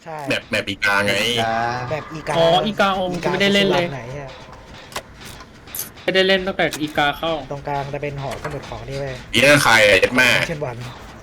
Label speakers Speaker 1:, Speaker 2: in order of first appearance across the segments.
Speaker 1: ใช่
Speaker 2: แบบอีกาไง
Speaker 1: แบบอีกา
Speaker 3: อ๋ออีกาองไม่ได้เล่นเลย
Speaker 1: ไหนอะ
Speaker 3: ไม่ได้เล่นตั้งแต่อีกาเข้า
Speaker 1: ตรงกลางจะเป็นหอสมุดของนี่เว้ย
Speaker 2: อีนั่นใครอะยัดแม่
Speaker 1: เช่นวัน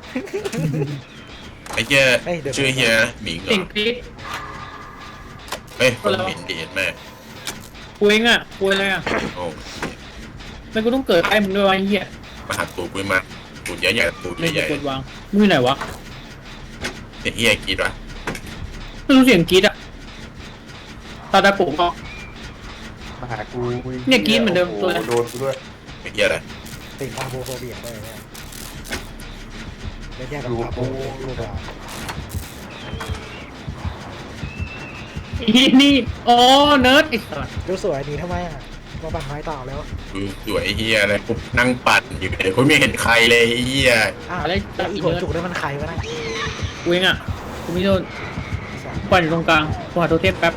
Speaker 2: ไอ้เหี้ย
Speaker 1: เฮ้ยเดี๋ยว
Speaker 2: ชื่อเฮียหมิงเหร
Speaker 3: เสีย
Speaker 2: อง
Speaker 3: กรี๊ด
Speaker 2: เฮ้ยคนหมิงดียัดแม่
Speaker 3: กูเองอ่ะกูอะไรอ่ะ
Speaker 2: โอ้
Speaker 3: ไม่กูต้องเกิดใกล้มึงด้วยวะไอ้เหี้ย
Speaker 2: มาหักตูกุยมาตูใหญ่ๆตู
Speaker 3: ไม่
Speaker 2: ใหญ่
Speaker 3: กดวางมือไหนวะ
Speaker 2: ๆเนี่ยเฮียกรีดวะ
Speaker 3: ไม่รู้เสียงกรี๊ดอ่ะตาตาปุ๊บก็
Speaker 4: มาหากู
Speaker 3: เนี่ยกินเหมือนเดิมตัวนั้น
Speaker 4: โดนกูด้วย
Speaker 2: ไอ้เฮียอะไร
Speaker 1: ติดพาโบโฟเบียด้วยเนี่ยแยกกับพาโบรูปแบบ
Speaker 3: อีนี่อ๋อเนิร์ดไอ้สัส
Speaker 1: ดูสวยดีทำไมอ่ะมาบังไม้ต่อแล้ว
Speaker 2: ดูสวยไอ้เฮียอะไรกูนั่งปั่นอยู่เลยกูไม่เห็นใครเลยไอ้เฮีย
Speaker 1: อ้าว
Speaker 3: อะไร
Speaker 1: แล้วอีกหัวจุกนี่มันใครวะนะ
Speaker 3: กูเองอ่ะกูไม่โดนปั่นอยู่ตรงกลางกูหาตัวเทพแป๊บ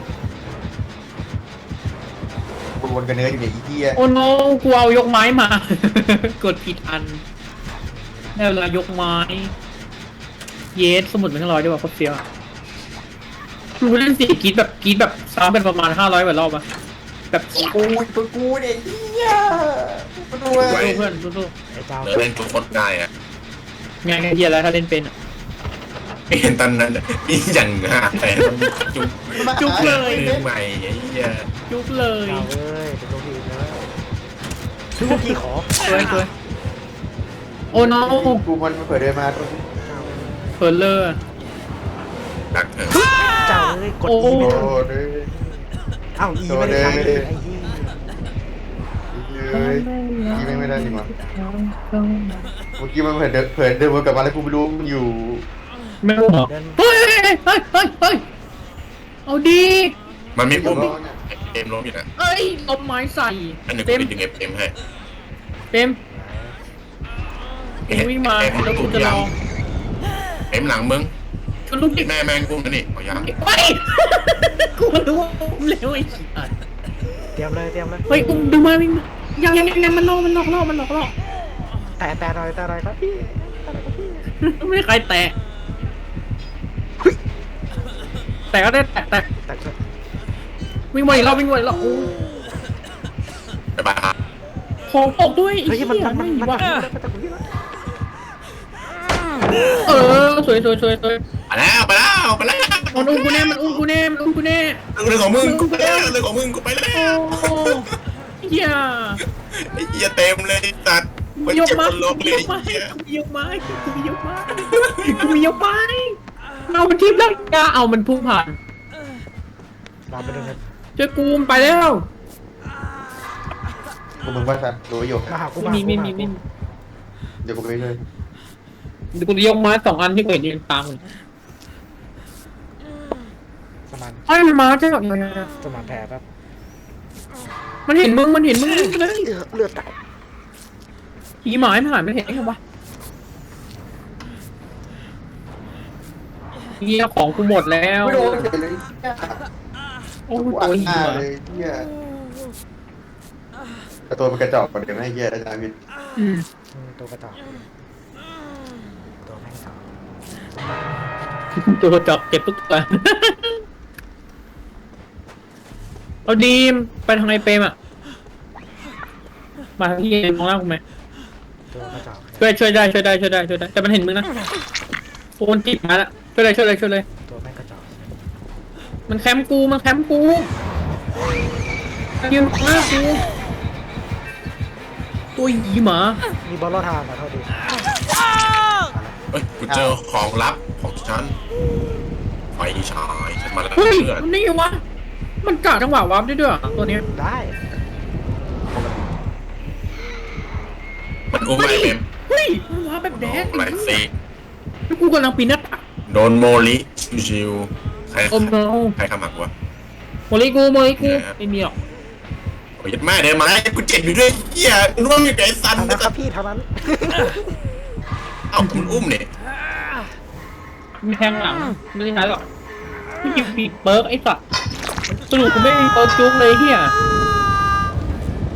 Speaker 4: กูวนกันเนื้ออยู่เนี่ยอีเหี้ย
Speaker 3: โอ้โนกูเอายกไม้มา กดผิดอันได้เวลายกไม้ เยสสมุดมันทั้งร้อยด้วยว่ะโคตรเฟี้ยวอะกูเล่นสีกรีดแบบซ้ำเป็นประมาณ500กว่ารอบอะแบบ
Speaker 4: กูตัวกูเนี่ยเหี้ยมาดูว่า
Speaker 3: สู้เพื่อนสู้
Speaker 1: ไอ้เจ้า
Speaker 2: เนื้อเล่นทุกคนได้อะ
Speaker 3: ๆงานเฮียแล้วถ้าเล่นเป็นอะ
Speaker 2: ไม่เห็นตอนนั้นนี่อย่างห่าแต่มันจุก
Speaker 3: จุกเลย
Speaker 2: มือใหม่ไอ้เฮีย
Speaker 3: จุกเลย
Speaker 1: เจ้าเอ้ยเป็นตัวพีนะทุกทีขอ
Speaker 3: สวยโอ้โน
Speaker 4: กูมันเปิดเดินมาตัว
Speaker 3: เฟิร์เลอร์
Speaker 2: ดักเถอะ
Speaker 1: เจ้าเอ้ยกด
Speaker 3: โอ้
Speaker 1: อีไม่
Speaker 4: โด
Speaker 1: ได้
Speaker 4: นเลย
Speaker 1: อ้าวอีไม่ได้ใช้ไอ้ยี่
Speaker 4: เฮ้ยกี้ไม่ได้จริงวะเมื่อกี้มันเผยเดินวนกลับมาแล้วกูไม่รู้มันอยู่
Speaker 3: ไม่รู้เหรอเฮ้ยเอาดี
Speaker 2: มันไม่ปุ่ม
Speaker 4: ร้อนอ่ะ
Speaker 2: เอ็มล้มอยู่นะ
Speaker 3: เอ้ยเอาไม้ใส่
Speaker 2: อันหนึ่งกู
Speaker 3: เต็ม
Speaker 2: ไปดึงเอ็มให้
Speaker 3: เต็มวิ่งมาแล้วกูจะลอง
Speaker 2: เอ็มหลังมึง
Speaker 3: ชนลูกดิ
Speaker 2: แม่แมงกุ้งนะนี่เอายัง
Speaker 3: ไปกูรู้ว่าอุ้มเร็วไอ้สัส
Speaker 1: เตรียมเลยเตรียมเลย
Speaker 3: เฮ้ยอุ้มดูมาวิ่งมายังมันหลอก
Speaker 1: แต่หน่อยครับพี่แต่หน่อยครับพี่
Speaker 3: ไม่มีใครแตะแต่ก็ได้แตะ
Speaker 1: แต่ก็
Speaker 3: วิ่งวนอีกรอบโอ้
Speaker 2: ไปบ้า
Speaker 3: ขอบอกด้วย
Speaker 1: เฮ้ยมัน
Speaker 3: ว่ะ
Speaker 1: จะคุยแล้ว
Speaker 3: สวย
Speaker 2: ไปแล้ว
Speaker 3: มันอุ้มกูแน่
Speaker 2: เรื่องของมึงกูไปแล้วเรื่องของมึงกูไปแล้ว
Speaker 3: โอ้เหี้ย
Speaker 2: ไอ้เหี้ยเต็มเลยตัดมัน
Speaker 3: ยก
Speaker 2: เจ็บ
Speaker 3: ไม้
Speaker 2: คนลบเลย
Speaker 3: กูมียกไม้เอามันทิพย์แล้วกล้าเอามันพุ่งผ่าน
Speaker 1: เราไปดูกัน
Speaker 3: ช่วยกูมไปแล้ว
Speaker 4: กูมึงว่าสัตว์รู้อยู่
Speaker 1: มาหากู
Speaker 3: มี
Speaker 4: เดี๋ยวกูไปเลย
Speaker 3: เดี๋ยวกูยกไม้2 อันที่กูเห็นยืนตาม
Speaker 1: สมาน
Speaker 3: ไอ้มันมาใช่ไหม
Speaker 1: สมานแผลแบบ
Speaker 3: มันเห็นมึงเลย
Speaker 1: เลือดแตก
Speaker 3: ผีหมายมันหายไม่เห็นไงวะเหี้ยของกูหมดแล้ว
Speaker 4: ไม่โดนเลย
Speaker 3: โอ้
Speaker 4: กู
Speaker 3: โห
Speaker 4: อัด
Speaker 3: ตัว
Speaker 4: หน้า
Speaker 3: เหี้ย
Speaker 4: เลยเหี้ยแต่ตัวมันกระจอกกว่าเดิมให้เหี้ยอาจารย์วิน
Speaker 1: ตัวกระจอกตัวแม่งสาว
Speaker 3: ตัวจอกเก็บทุกตัวเอาดีมไปทางไอเปรมอ่ะมาทางที่มองหน้ากูไหม
Speaker 1: ตัวกระจอก
Speaker 3: ช่วยได้แต่มันเห็นมึงนะโอนจิตมาละช่วยเลย
Speaker 1: ตัวแม่งกระจอก
Speaker 3: มันแคมป์กูยืนหน้ากูตัวหยีหมา
Speaker 1: มีบอลลอดทางอ่ะเท่าดี
Speaker 2: เฮ้ยกูเจอของลับของฉันไฟฉายฉันมาแล้ว
Speaker 3: เฮ้ย
Speaker 2: เพื่อน
Speaker 3: มันนี่วะมันกะจังหวะวาร์ปได้ด้วยเหรอตัวเนี้ย
Speaker 1: ได้
Speaker 2: มันอุ้มไอ้เอ็ม
Speaker 3: เฮ้ยมันวาร์ปแบบแดก
Speaker 2: ไอ้ซี
Speaker 3: กูกำลังปีนหน้าต่าง
Speaker 2: โดนโมลิชิวใคร
Speaker 3: โอ้โน
Speaker 2: ใครขมักวะ
Speaker 3: โมลิกูไม่มีหรอก
Speaker 2: โอ้ยแม่เดินมาแล้วกูเจ็บอยู่ด้วยเหี้ยร่วงอยู่กับไอ้ซัน
Speaker 1: เท่านั้นครับพี่เท่านั้น
Speaker 2: เอ้าคุณอุ้มเนี่ย
Speaker 3: มีแทงหลังไม่ได้ใช้หรอกไม่หยิบปีกเบิร์กไอ้สัตว์สรุปกูไม่มีเบิร์กจุ๊กเลยเฮีย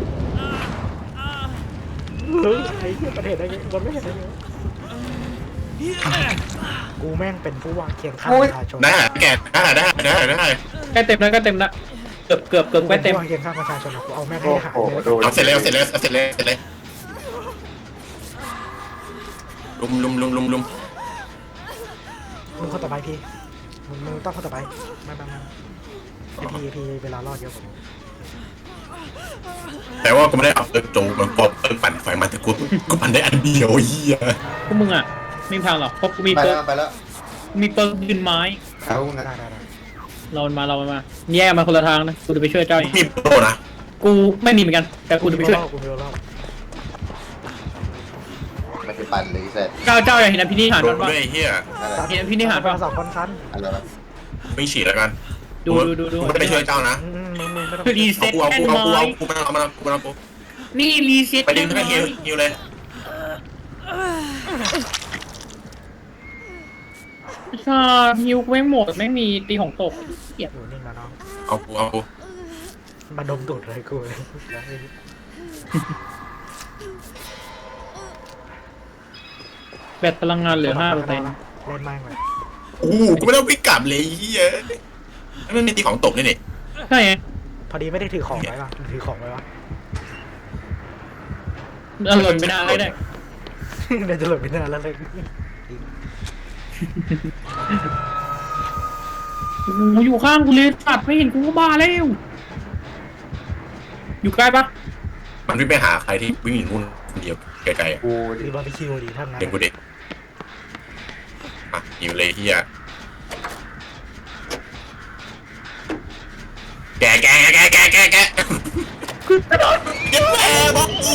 Speaker 1: เฮ้ยไอ้เหี้ยประเทศอะไรเงี้ยบอลไม่เห็นอะไรเลยกูแม่งเป็นผู้วางเคียงข้าง
Speaker 4: โอ้
Speaker 1: ป
Speaker 4: ย
Speaker 1: ระชาชน
Speaker 2: ได้แกได้
Speaker 3: ใกล้เต็มแล้วใกล้เต็มแล้วเกือบใกล้เต็ม
Speaker 1: ผู้วางเคียงข้างประชาชนอะกูเอาแม่งให้
Speaker 4: โอ้
Speaker 1: หาย
Speaker 4: โห
Speaker 1: เลย
Speaker 4: โดน
Speaker 2: เอาเสร็จเลยลุม
Speaker 1: มึงคนต่อไปพี่มึงต้องคนต่อไปมาไอพีเวลารอดเยอะกว่า
Speaker 2: แต่ว่ากูไม่ได้เอาโจมันปอบปั่นไฟมันแต่กูปั่นได้อันเดียวเฮีย
Speaker 3: พวกมึงอ่ะไม่มีทางหรอกเพราะกูมี
Speaker 4: ไป
Speaker 3: เปิ
Speaker 4: แล้
Speaker 3: ร์
Speaker 4: วไปแล้ว
Speaker 3: มีเปิร์ยืนไม้
Speaker 4: เอาไง
Speaker 1: ได้
Speaker 3: เรามาแยกมาคนละทางนะกูจะไปช่วยเจ้าเอง
Speaker 2: มีโปรนะ
Speaker 3: กูไม่มีเหมือนกันแต่กูจะไปช่วย
Speaker 1: กูมีรอบ
Speaker 4: ไม่ไปปั่นเลยเสร็จ
Speaker 3: เจ้าอยากเห็นอภินิหาร
Speaker 2: โด
Speaker 3: มัน นปะ
Speaker 2: ด้วยเฮีย
Speaker 4: อะไร
Speaker 3: เห็นอภินิหารปะ
Speaker 1: สองคนคัน
Speaker 4: อะไรวะ
Speaker 2: ไม่ฉีดแล้วกัน
Speaker 3: ดู
Speaker 2: ไม่ได้ไปช่วยเจ้านะ
Speaker 1: มึงไม่ต้อง
Speaker 3: คือรีเซ็ต
Speaker 2: กู
Speaker 3: แอนไม้
Speaker 2: กูไม่เอากู
Speaker 3: นี่รีเซ็ต
Speaker 2: ไปดึงให้ฮิวเลย
Speaker 3: ชาฮิวไม่หมดไม่มีตีของตกเกลียด
Speaker 1: อยู่นิ่งแล้วน้อง
Speaker 2: เอากู
Speaker 1: มาดมตูดเลยกู
Speaker 3: แบตพลังงานเหลือ5%
Speaker 1: เล่นแม่งเลย
Speaker 2: กูไม่ต้องวิ่งกลับเลยเฮียมันมีตีของตกนี่
Speaker 3: ใช่ไง
Speaker 1: พอดีไม่ได้ถือของไว้ป่ะถือของไว้ป่ะ
Speaker 3: หล่นไม่ได้ได้
Speaker 1: เดี๋ยวจะหลุดไปนานแล้วเลย
Speaker 3: โอ้โหอยู่ข้างกูเลยตัดไม่เห็นกูก็บ้าแล้ว อยู่ใกล้ปะ
Speaker 2: มันวิ่งไปหาใครที่วิ่งอยู่นู่นคนเดียวไกลๆ
Speaker 4: กู
Speaker 1: ดีบาร์บีคิวดีทั้งนั้น
Speaker 2: เป็นกูเด็กอ่ะฮิวเลยเฮียแกยังแม่บอกกู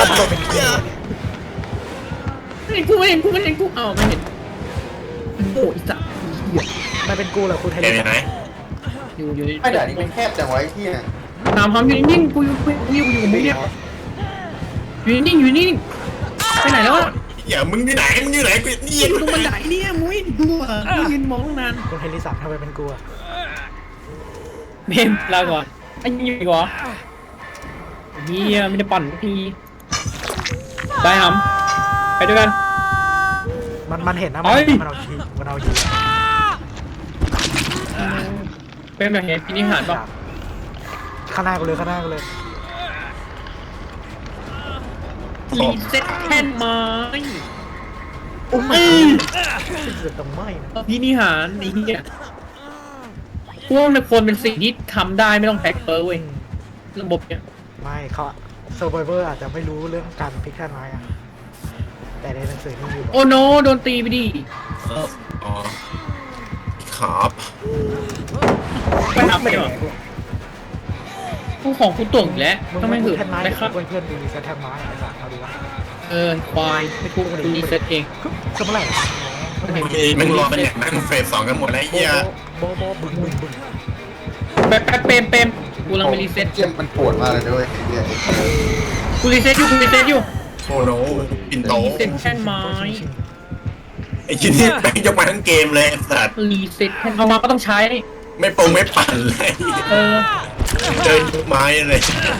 Speaker 3: ไม่เห็นกูอ้าวไม่เห็นโอ้ยสัตว์
Speaker 1: ไม่เป็นกูเหรอกูไทย
Speaker 2: แกอยู่ไหน
Speaker 3: อยู่
Speaker 4: ไอ้ด่านนี้มันแคบจังไวะไอ้ที่เนี่ย
Speaker 3: ตามความอยู่นิ่งๆกูอยู่กับมึงเนี่ยอยู่นิ่งไปไหนแล้วอะ
Speaker 2: อย่ามึงอยู่ไหนกูนี่
Speaker 3: ตรงบันไดเนี่ยมุ้ยดูอ่ะยืนมองตั้งนาน
Speaker 1: กูเฮลิสันทำไมเป็นกูอะ
Speaker 3: เมมลาก่อนไอ้ยี่อีกเหรอเฮียไม่ได้ปั่นสักทีไปหำไปด้วยกัน
Speaker 1: มันเห็นนะ
Speaker 3: เอ้ย
Speaker 1: มันเอายี
Speaker 3: เป็นแบบเห็นพินิหารป่ะ
Speaker 1: ข้างหน้ากูเลย
Speaker 3: รีเซ็ตแท่นไม้
Speaker 1: โอ้ไม่เกิดตรงไม่นะ
Speaker 3: พินิหารไอ้เหี้ยพวกในคนเป็นสิ่งที่ทำได้ไม่ต้องแท็กเปอร์เว้ยระบบเนี่ย
Speaker 1: ไม่เขาเซอร์ไวเวอร์อาจจะไม่รู้เรื่องการพลิกแท่นไม้อะแต่ในหนังสือนี่อยู่
Speaker 3: โอ้โนโดนตีไปดิ
Speaker 2: อ๋อครับ
Speaker 3: ไปทำไปดีกว่าผู้ของกูต่วงอีกแล้ว
Speaker 1: มึง
Speaker 3: ต้องไม่
Speaker 1: ไม่
Speaker 3: หื
Speaker 1: ถื
Speaker 3: อ
Speaker 1: แท่นไม้
Speaker 3: ไม่ครับ
Speaker 1: เพื่อนดูรีเซ็ตแท่นไม้ไอ้สัตว์เอาดูวะ
Speaker 3: ควายไม่ทุกกูรีเซ็ตเอง
Speaker 1: ก็เมื่อไหร่วะ
Speaker 2: มึงรอเป็นอย่างนั้นเฟส2กันหมดแล้วเฮีย
Speaker 1: โบบึ้ง
Speaker 3: แป๊บเปมกูกำลังไปรีเซ็ต
Speaker 4: เจียมมันปวดมากเลยด้วยไอ้เนี่ย
Speaker 3: กูรีเซ็ตอยู่
Speaker 2: โอ้โหปินโต
Speaker 3: รีเซ็ตแท่นไม้
Speaker 2: ไอ้ชิ้นนี้แม่งยกมาทั้งเกมเลยสัตว์
Speaker 3: รีเซ็ตแท่นเอามาก็ต้องใช้
Speaker 2: ไม่ปั่นเลย
Speaker 3: เออ
Speaker 2: เดินไม้เลย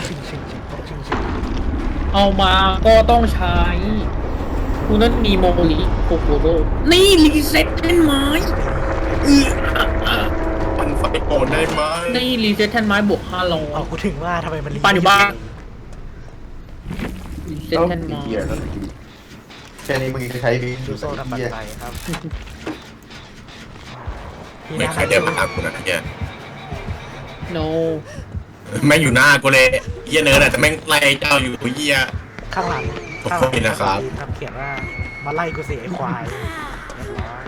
Speaker 3: เอามาก็ต้องใช้กูนั่นมีโมลิโคโคโรนี่รีเซ็ตแท่นไม้
Speaker 2: ปั่นไฟโอนได้ไหม
Speaker 3: นี่รีเซ็ตแท่นไม้บวก500
Speaker 1: เอากูถึงว่าทำไมมัน
Speaker 3: ปานอยู่บ้าน รีเซ็ตแท่นไม้
Speaker 4: เหี้ยแล้วแค่นี้มึงจะใช้บิน
Speaker 1: ดู
Speaker 4: ดู
Speaker 1: โซ่
Speaker 4: สัก
Speaker 1: ดับปัน
Speaker 4: เหี้ย
Speaker 1: ไฟครับ
Speaker 2: ไม่ใครเดินมาหากูนะเฮีย
Speaker 3: โน
Speaker 2: แม่งอยู่หน้ากูเลยเฮียเนิร์ดแต่แม่งไล่เจ้าอยู่เฮีย
Speaker 1: ข้างหลัง
Speaker 2: ขอบคุณนะครับ
Speaker 1: ครับเขียนว่ามาไล่กูเสียไอ้ควายเรียบร้อย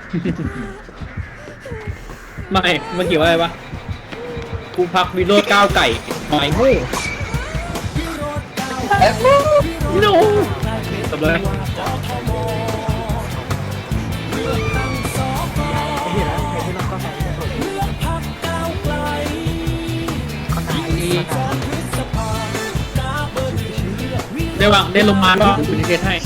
Speaker 3: ไม่เมื่อกี้ว่าอะไรวะกูพักวิโรจน์ก้าวไก่หมายหู้โนจบเลย
Speaker 1: ไอ้เหี้ยแล้วไอ้ที่เราก็ใส่ที่สุดข้างใน
Speaker 3: ได้วางได้ลงมาก็คุณเทสให้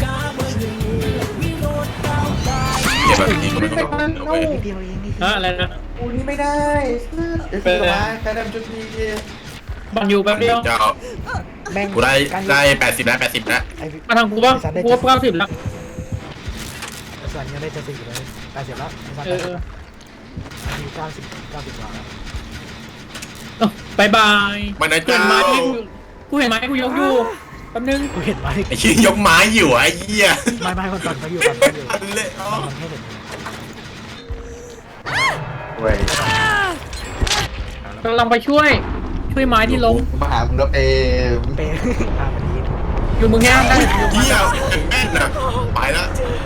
Speaker 2: เฮียแบบนี้ก็ไม่ต้องเอาไป
Speaker 1: นิดเดียวเองนี่
Speaker 3: ฮะอะไรนะ
Speaker 4: กูนี่ไม่ได้เดี๋ยวพี่มาแค่ดำจุดนี้เดียว
Speaker 3: บังอยู่แป๊บเดียว
Speaker 2: เจ้า
Speaker 1: แม่ง
Speaker 2: กูได้80แล้ว
Speaker 1: ไอ้
Speaker 3: มาทางกูบ้างกูว่า90แล้ว
Speaker 1: สส่วนยังได้จะสี่เลยแต่เสร็จแล้ว
Speaker 3: เออ
Speaker 1: มี90 กว่าแล้ว
Speaker 3: เอ้าบายบาย
Speaker 2: มันนะ
Speaker 3: เห็น
Speaker 2: เจ้า
Speaker 3: ไม้ที่กูเห็นไม้ที่กูยกอยู่แป๊บนึง
Speaker 1: กูเห็นไหม
Speaker 2: ไอ้ชี้ยกไม้อยู่ไอ้เหี้ย
Speaker 1: ไม่มันปั่นไปอยู่
Speaker 2: อันเลยอ๋อ
Speaker 1: มันให้เห็น
Speaker 4: เว้ย
Speaker 3: กำลังไปช่วยไม้ที่ล้ม
Speaker 4: มาหามึงแล้วเป
Speaker 1: เป๊ะมันนี้
Speaker 3: อยู่มึงแง่ได้
Speaker 2: เหี้ยแม่นนะไปละ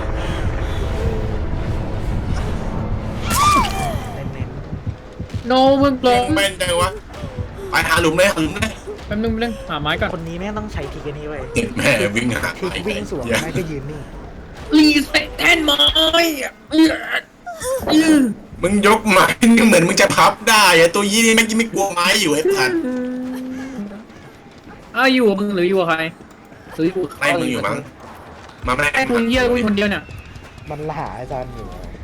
Speaker 1: เน้น
Speaker 3: โนมึงล้ม
Speaker 2: แม่นจังวะไปหาหลุมเลยหาหลุมเลย
Speaker 3: แป๊บนึงหาไม้ก่อน
Speaker 1: คนนี้แม่งต้องใช้ทีกันนี้ไว้
Speaker 2: เจ็บแม่วิ่งหา
Speaker 1: ทีวิ่งสวนแม่ก็ยืนนี่
Speaker 3: รีเซ็ตแทนไม้อื้อ
Speaker 2: มึงยกไม้นี่เหมือนมึงจะพับได้อะตัวยี่นี่แม่งยังไม่กลัวไม้อยู่ไอ้สัตว์
Speaker 3: อยู่กับมึงหรืออยู่กับใครหรืออยู่กับ
Speaker 2: ไล่มึงอยู่มั้งมาแม่
Speaker 3: ไอ้มึงเยี่ยกูคนเดียวเนี่ย
Speaker 1: มันหาอาจารย์อยู่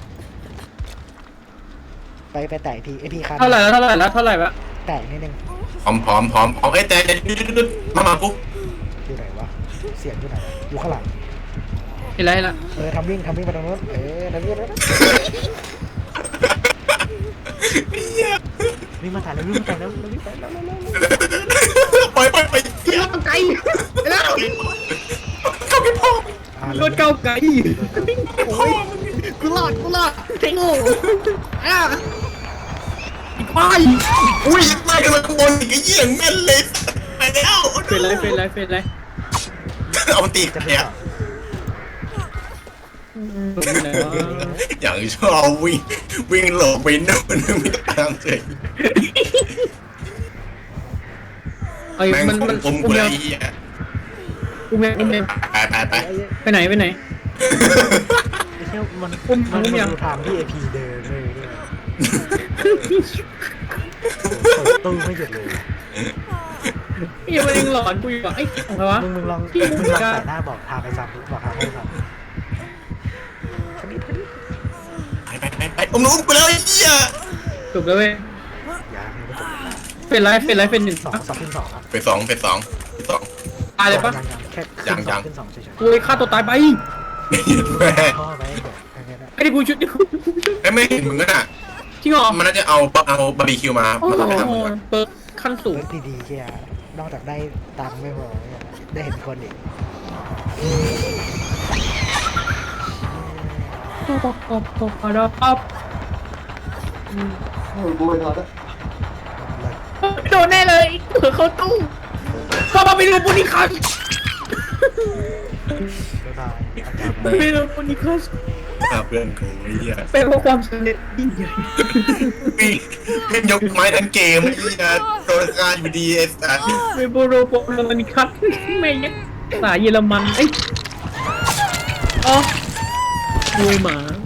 Speaker 1: ไปแตะทีไอพีคัน
Speaker 3: เท่าไหร่วะ
Speaker 1: แตะนิดนึง
Speaker 2: พร้อมไอ้แต่มาปุ๊บ
Speaker 1: อยู่ไหนวะเสียงอยู่ไหนอยู่ข้างหลัง
Speaker 3: เห็นไรละ
Speaker 1: ทำวิ่งไปตรงนู้นทำวิ่งวิ่งมาถ่ายแล้ววิ่งไปแล้ว
Speaker 2: ไปเหี้ย
Speaker 3: ไกลแล้ว
Speaker 2: เข้าไปพ่อ
Speaker 3: รถเก้าไกลโอ้ยกูรอดเทงโง่อีกไป
Speaker 2: อุ้ยไล่กันมาข้างบนอีกไอ้เหี้ยแม่นเลยไปแล้ว
Speaker 3: เป็นไร
Speaker 2: เอามันตี
Speaker 1: จะ
Speaker 2: เนี่ย อย่างชอบวิ่งหลบไปโน่นไม่ตามเลย
Speaker 3: ไอ้
Speaker 2: แม่ง
Speaker 3: มัน
Speaker 2: ผม
Speaker 3: อุ้ม
Speaker 2: เล
Speaker 3: เดีย
Speaker 2: ยว ไอ้เหี้ย
Speaker 3: อุ้มเดียว
Speaker 2: ไป
Speaker 3: ไปไหน
Speaker 1: ไอ้เที่ยวมันดูทางที่เอพีเดินเลยตู้ไม่หยุดเลย
Speaker 3: ยังมันยังหลอนกูอยู่อ่ะไอ้ของใครวะ
Speaker 1: มึงลองใส่หน้าบอกทางไปซ้ำบอกทางให้ซ้ำ
Speaker 2: ไปอุ้มไปแล้วไอ้เหี้ย
Speaker 3: จบแล้วเว้ย
Speaker 1: ยังไม่จบ
Speaker 3: เป็นไรเป็นหนึ่ง
Speaker 1: สองขึ้นสองครับ
Speaker 2: ไปสอง
Speaker 3: ตายเลยปะ
Speaker 1: แค่ขึ้นสองเฉย
Speaker 3: กูเลยฆ่าตัวตายไป
Speaker 2: แม่
Speaker 1: ๆพ่อไปเดี๋ยวแค่นั้น
Speaker 3: ไอ้ที่กูชุด
Speaker 2: ไม่เห็นมึงอ่ะ
Speaker 3: จริงเหรอ
Speaker 2: มันน่าจะเอาบาร์บีคิวมา
Speaker 3: โอ้
Speaker 2: มา
Speaker 3: โห
Speaker 2: ทำมึง
Speaker 3: เปิดขั้นสูง
Speaker 1: เรื่องดีๆแค่นอกจากได้ตังค์ไม่พอได้เห็นคนอีก
Speaker 3: ปั๊บ
Speaker 4: กูไปนอนแล้ว
Speaker 3: โดนแน่เลยเผื่อเขาตู้พอมาไปดูปุนิคัส
Speaker 1: บ๊ายบายอาจารย์
Speaker 3: ไปดูปุนิคัส
Speaker 2: เพื่อนกูไอ้เหี้ย
Speaker 3: เป็นเพราะความสำเร็จยิ่งใหญ่
Speaker 2: วิ่งยกไม้ทั้งเกมไอ้เหี้ยโดนฆ่าอยู่ดีไอ้สัส
Speaker 3: เวโบโรโปโรมานิคัสไม่ยังภาษาเยอรมันเอ้ยอ๋อมวยหมา